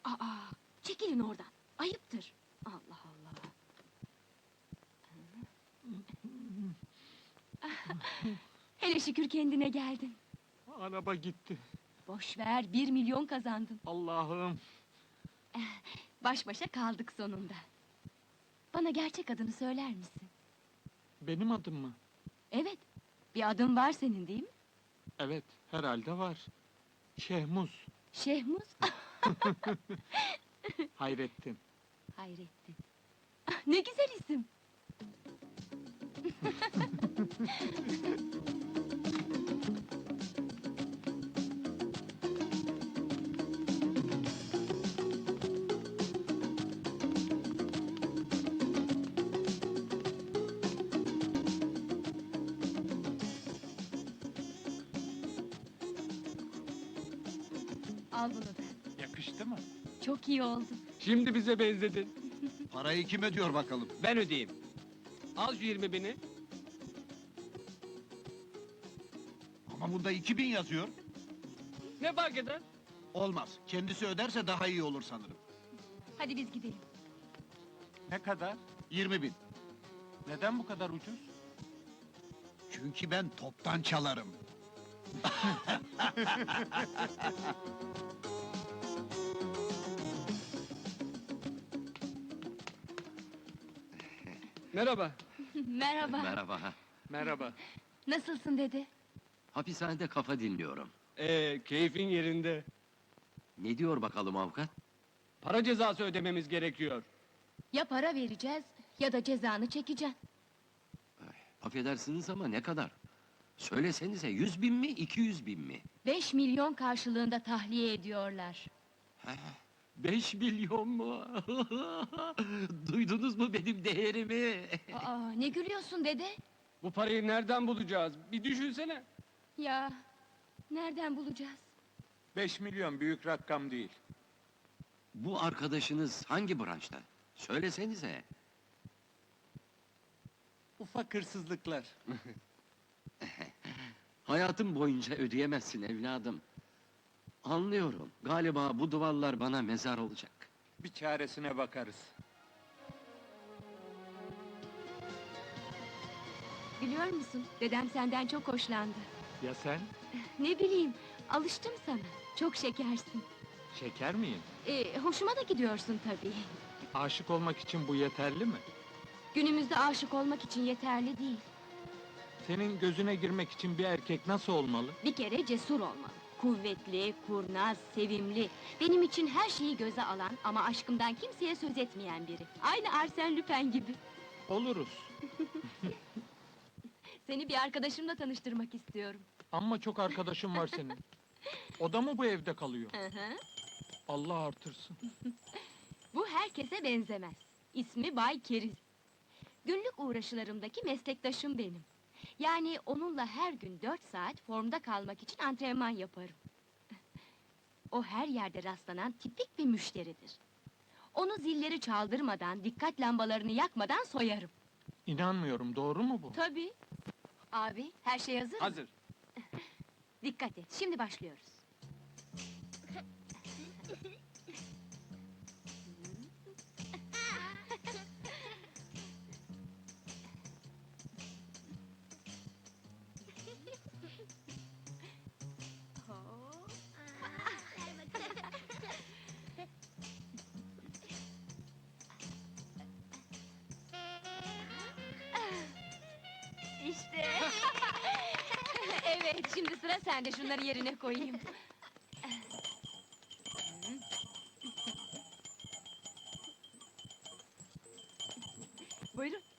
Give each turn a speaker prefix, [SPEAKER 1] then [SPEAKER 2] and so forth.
[SPEAKER 1] Aa, çekilin oradan. Ayıptır. Allah Allah. Hele şükür kendine geldin.
[SPEAKER 2] Araba gitti.
[SPEAKER 1] Boş ver, 1 milyon kazandın.
[SPEAKER 2] Allah'ım.
[SPEAKER 1] Baş başa kaldık sonunda. Bana gerçek adını söyler misin?
[SPEAKER 2] Benim adım mı?
[SPEAKER 1] Evet, bir adın var senin değil mi?
[SPEAKER 2] Evet, herhalde var. Şehmuz.
[SPEAKER 1] Şehmuz.
[SPEAKER 2] Hayrettin.
[SPEAKER 1] Hayrettin. Ne güzel isim. Al bunu da.
[SPEAKER 2] Yakıştı mı?
[SPEAKER 1] Çok iyi oldu.
[SPEAKER 2] Şimdi bize benzedin.
[SPEAKER 3] Parayı kim ödüyor bakalım?
[SPEAKER 4] Ben ödeyeyim. Al şu 20.000'i.
[SPEAKER 3] Ama bunda 2000 yazıyor.
[SPEAKER 4] Ne fark eder?
[SPEAKER 3] Olmaz. Kendisi öderse daha iyi olur sanırım.
[SPEAKER 1] Hadi biz gidelim.
[SPEAKER 2] Ne kadar?
[SPEAKER 3] 20.000.
[SPEAKER 2] Neden bu kadar ucuz?
[SPEAKER 3] Çünkü ben toptan çalarım.
[SPEAKER 4] Merhaba.
[SPEAKER 1] Merhaba.
[SPEAKER 5] Merhaba.
[SPEAKER 2] Merhaba.
[SPEAKER 1] Nasılsın dede?
[SPEAKER 5] Hapishanede kafa dinliyorum.
[SPEAKER 4] Keyfin yerinde.
[SPEAKER 5] Ne diyor bakalım avukat?
[SPEAKER 4] Para cezası ödememiz gerekiyor.
[SPEAKER 1] Ya para vereceğiz ya da cezanı çekeceksin.
[SPEAKER 5] Affedersiniz ama ne kadar? Söylesenize 100.000 mi, 200.000 mi?
[SPEAKER 1] 5 milyon karşılığında tahliye ediyorlar.
[SPEAKER 5] 5 milyon mu? Duydunuz mu benim değerimi?
[SPEAKER 1] Aa, ne gülüyorsun dede?
[SPEAKER 4] Bu parayı nereden bulacağız? Bir düşünsene.
[SPEAKER 1] Ya, nereden bulacağız?
[SPEAKER 2] 5 milyon büyük rakam değil.
[SPEAKER 5] Bu arkadaşınız hangi branşta? Söylesenize.
[SPEAKER 2] Ufak hırsızlıklar.
[SPEAKER 5] Hayatım boyunca ödeyemezsin evladım. Anlıyorum. Galiba bu duvarlar bana mezar olacak.
[SPEAKER 2] Bir çaresine bakarız.
[SPEAKER 1] Biliyor musun, dedem senden çok hoşlandı.
[SPEAKER 2] Ya sen?
[SPEAKER 1] Ne bileyim, alıştım sana. Çok şekersin.
[SPEAKER 2] Şeker miyim?
[SPEAKER 1] Hoşuma da gidiyorsun tabii.
[SPEAKER 2] Aşık olmak için bu yeterli mi?
[SPEAKER 1] Günümüzde aşık olmak için yeterli değil.
[SPEAKER 2] Senin gözüne girmek için bir erkek nasıl olmalı?
[SPEAKER 1] Bir kere cesur olmalı. Kuvvetli, kurnaz, sevimli. Benim için her şeyi göze alan ama aşkımdan kimseye söz etmeyen biri. Aynı Arsène Lupin gibi.
[SPEAKER 2] Oluruz.
[SPEAKER 1] Seni bir arkadaşımla tanıştırmak istiyorum.
[SPEAKER 2] Ama çok arkadaşım var senin. O da mı bu evde kalıyor?
[SPEAKER 1] Hı hı.
[SPEAKER 2] Allah artırsın.
[SPEAKER 1] Bu herkese benzemez. İsmi Bay Keriz. Günlük uğraşılarımdaki meslektaşım benim. Yani onunla her gün 4 saat formda kalmak için antrenman yaparım. O her yerde rastlanan tipik bir müşteridir. Onu zilleri çaldırmadan, dikkat lambalarını yakmadan soyarım.
[SPEAKER 2] İnanmıyorum, doğru mu bu?
[SPEAKER 1] Tabii. Abi, her şey hazır mı?
[SPEAKER 4] Hazır.
[SPEAKER 1] Dikkat et, şimdi başlıyoruz. İşte. Evet, şimdi sıra sende. Şunları yerine koyayım. Buyurun.